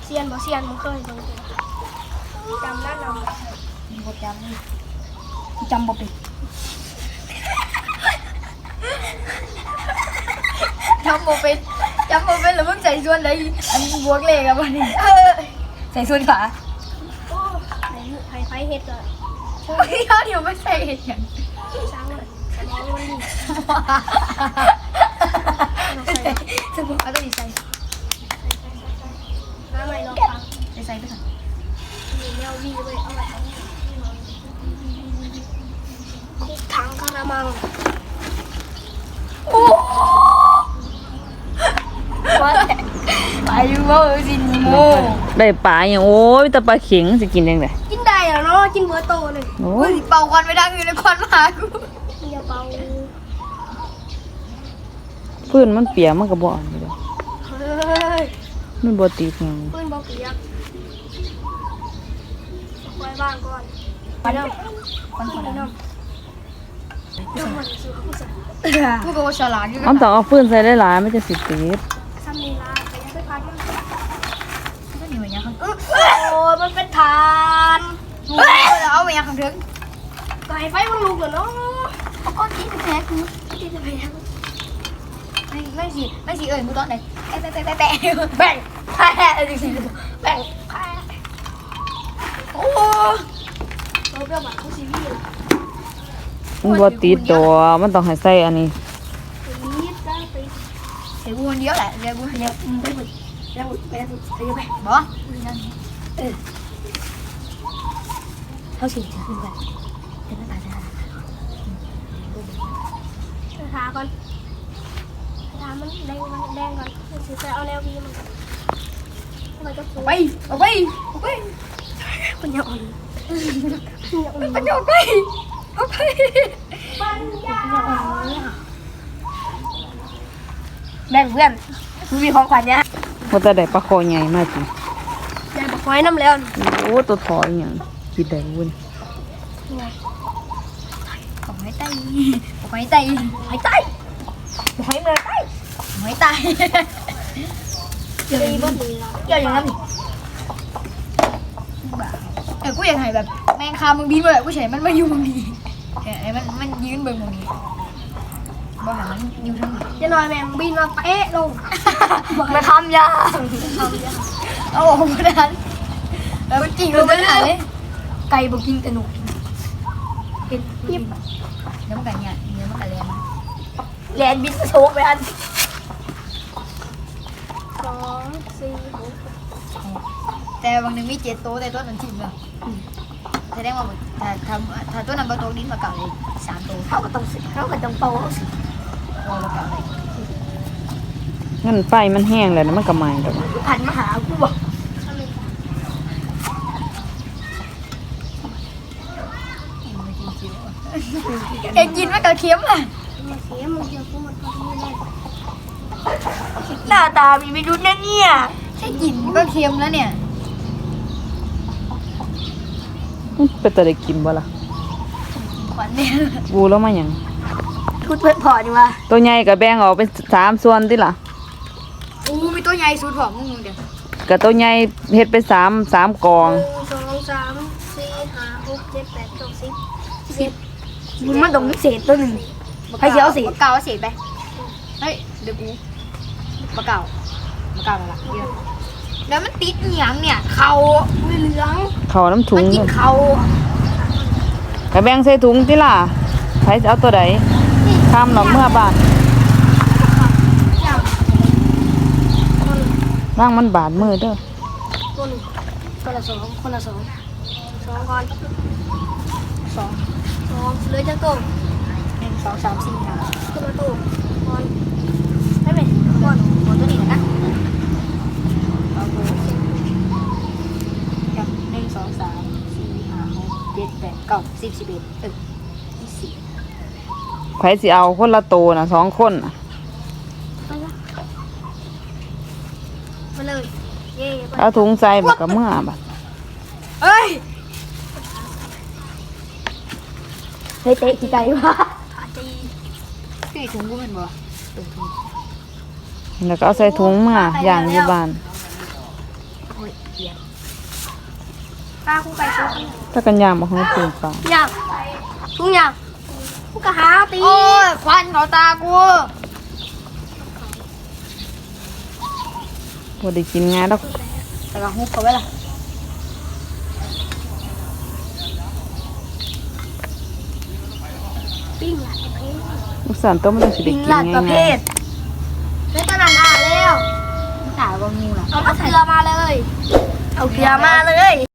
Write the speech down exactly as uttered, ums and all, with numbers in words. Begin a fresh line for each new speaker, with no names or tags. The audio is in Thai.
เซียนบ่เซียนบ่เคยเบิ่งจำได้นำบ่จำจำบ่เป็นจำบ่เป็นจำบ่เป็นแล้วมึงใส่ส่วนไหนอันบวกเลขอะบ่นี่ใส่ส่วนขวาโอ้ไผไผเฮ็ดอ่ะโอ้ยเดี๋ยวไม่ใส่เฮ็ดหยังช้างเลยสมองมันนี่สมองเอาตัวนี้ใส่น้ำใหม่ลองฟังใส่ใส่ไปก่อนมีแนววีเว้ยเอาไว้ถังกระมังโอ้ว่าไปอยู่ว่าเออสิโม
ได้ปลาอย่างโอ้ยแต่ปลาเข็งสิกินยังไง
กินได้เหรอเนาะกินเบอร์โตเลย
โอ้
เฮ้
ย
ยเป่าควันไม่ดังอยู่ในควันมากูอย่าเป่า
พื้นมันเปียกมันก็บ่อ่อนอยู่ดอก
เฮ้ย
มันบ่ติดหยัง
ปืนบอลเปียกไว้บ้างก่อนไปเริ่มก่อนก่อนเริ่มเริ่มมันซื้อคู่สั่งกูก็ว่าฉลาดอยู่
มันต้องเอาพื้นใส่หลายๆมันจะสิติด
ซ้ำนี่ละไปยังไปพัดมันก็หนีไปยังโอ้ยมันเป็นฐานเอาไปยังข้างถึงไก่ไฟมันลุกเหรอเนาะเอาก้อนที่จะแพ้กูที่จะแพ้ไม่ไม่สิไม่สิเอ่ยกูตอนไหนแตะแตะแตะแตะแบ่งแพ้จริงๆแบ่งแพ้โอ้เราเปรี้ยวหวานเขาซีรีส์
มันบ่ติดดอกมันต้องให้ใส่อันนี้
นี่จ้าไปเดี๋ยววนเดียวแหละเดี๋ยววนเดียวไปหมดแล้วไปแล้วไปไปบ่เออเขาฉีดจะขึ้นไปเดี๋ยวมันตายจะทาก่อนทามันแดงมันแดงก่อนฉีดไปเอาแนววีมันมันจะไปเอาไปเอาไปปัญญาอ่อนปัญญาไปเอาไปปัญญาอ่อนแบ่งเพื่อนมีของขวัญเนี่ย
ว่าแต่ได้ปลาคอใหญ่มากจริง
ยายบอกไว้น้ำแล้ว
โอ้ตัวถอยอย่างคิดได้เว้ย
บอกให้ไตบอกให้ไตให้ไตบอกให้เมื่อไตบอกให้ไตเกี่ยวอย่างนี้เกี่ยวอย่างนั้นเออกูอยากให้แบบแมงคามึงบินมาแบบกูเฉยมันมาอยู่มึงดีไอ้มันมันยืนเบิ่งมึงนี้บ่หามันอยู่ทั้งนี้จะนอนแมงบินมาเป๊ะลงมาทำยาเอาออกมาดันแล้วจริงเราไม่ได้ไก่บอกกินแต่หนูเห็นยิบเดี๋ยวมันกันเนี่ยเดี๋ยวมันกันแลนแลนบินโชกไปอันสองสี่หกแต่บางหนึ่งมีเจ็ดโต๊ะแต่ตัวนั้นทิ้งเลยแสดงว่าถ้าถ้าถ้าตัวนั้นประตูนี้มาเก่าเลยสามโต๊ะเขาก็ต้องสิเขาก็ต้องโตสิว่าเก่าเลย
งั้นไฟมันแห้งแล้วนะมันก็ไหม้แล้ว
ผันมาหากูบอกเอ็งกินมากระเทียมอ่ะหน้าตามีไม่รู้นะเนี่ยแค่กินก็เค็มแล้วเนี่ย
มันเป็นแต่ได้กินบ่ล่ะ
ขวัญเนี่ย
บูแล้วมาหยัง
พูดเพื่อนพอดีว่า
ตัวใหญ่ก็แบ่งออกเป็นสามส่วนติล่ะ
อู้มีตัวใหญ่สุดของมึงเดี๋ยว
ก็ตัวใหญ่เฮ็ดเป็นสามสามกอง
หนึ่งสองสามสี่ห้าหกเจ็ดแปดเก้าสิบสิบมันต้องมีเศษตัวหนึ่งให้เสียเอาเศษเก่าเอาเศษไปเฮ้ยเดี๋ยวกูมาเก่ามาเก่าแล้วล่ะเดี๋ยวแล้วมันติดเหนียงเนี่ยเขาเหลือง
เขาน้ำถุ
มั
ง
นกินเขา
ก็แบ่งใส่ถุงติล่ะใครสิเอาตัวใดข้ามหรอกเมื่อบ้านร่างมันบาดมือเด้อ
คนคนละสองคนละสองสองก่อนสองสองเหลือจะโตหนึ่งสองสามสี่ห้าคนละโตก่อนได้ไหมก่อนก่อนตัวนี้นะเอาโตกับหนึ่งสองสามสี่ห้าหกเจ็ดแปดเก้าสิบสิบเอ็ดเออยี่สิบ
ไผสิเอาคนละโตน่ะสองคนน่ะ
ไปละมาเลยเย่ไป
เอาถุงใส่บักก็เมื่อบัด
เอ้ยเตะเตะกี่ไก่วะตีตีถุงกูเป็นบ่
แล้วก็เอาใส่ถุงมาอย่างอยู่บ้าน
โอ้ยเกียร์
ปลาคู่ไปชุบ
ถ้ากันยางบ่ฮู้ปลูกป่า
ย่างทุกอย่างกูก็หาตี
โอ้ยควันเขาตากู
บ่ได้กินง่ายดอก
แต่ก็ฮุบเขาไว้ล่ะ
ปิ้งหลายประเภท
ลูกสานต้มมันสิได้
ปิ้ง
กิน
หลายประเภ
ง่าย
ทไม่ตอนนั้นอ่ะแล้ว
ตาก็งูล่ะ
เอาเกลือมาเลย เอาเกลือมาเลย